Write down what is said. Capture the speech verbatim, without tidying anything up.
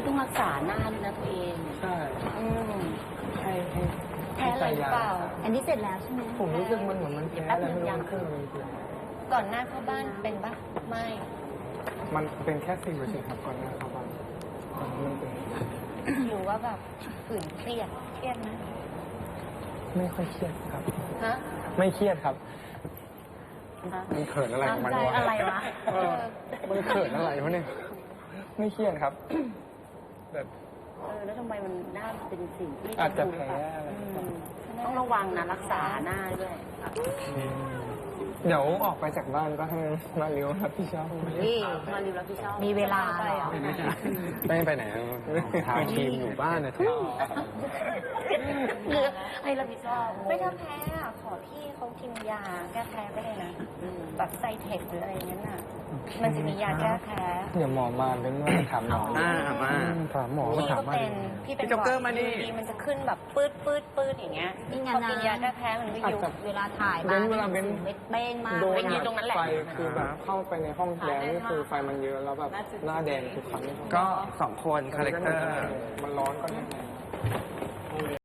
คือต้องรักษาหน้าด้วยนะตัวเองใช่อืมให้ให้แพ้อะไรหรือเปล่าอันนี้เสร็จแล้วใช่ไหมผมรู้สึกมันเหมือนมันแพ้อะไรไม่รู้มันขึ้นเลยก่อนหน้าเข้าบ้านเป็นปะไม่มันเป็นแค่สิ่งเฉยๆครับก่อนหน้าเข้าบ้านก่อนหน้ามันเป็นหรือว่าแบบฝืนเครียดเครียดนะไม่ค่อยเครียดครับฮะไม่เครียดครับฮะมันเขินอะไรของมันใจอะไรวะเออมันเขินอะไรวะเนี่ยไม่เครียดครับแบบเออแล้วทำไมมันหน้ามันเป็นสิ่งที่อาจจะแพ้อะไรอืมต้องระวังนะรักษาหน้าด้วยเดี๋ยวออกไปจากบ้านก็ให้มาเลี้ยวรับผิดชอบนี่มาริวรับผิดชอบมีเวลาไปเหรอไม่ไปไหนทางทีมอยู่บ้านนะทุกหรือให้รับผิดชอบไม่ถ้าแพ้อะขอพี่เขากินยาแก้แพ้ไปเลยนะแบบไซเทคหรืออะไรอย่างนั้นน่ะ มันจะมียาแก้แพ้เดี๋ยวหมอมาเป็นว่าถามหมออ่ามาถามหมอพี่ถาก็มว่าเป็นพี่เป็นพี่จ็อกเกอร์มาดิดีมันจะขึ้นแบบปืดปืดปืดอย่างเงี้ยนี่ไงพอนะกินยาแก้แพ้มันไม่ยุบเวลาถ่ายเบ้นเวลาเบ้นเม็ดเบ้งมากโดนไปยืนตรงนั้นแหละไฟคือแบบเข้าไปในห้องแดงนี่คือไฟมันเยอะแล้วแบบหน้าแดงทุกครั้งก็สองคนคาแรคเตอร์มันร้อนก็แน่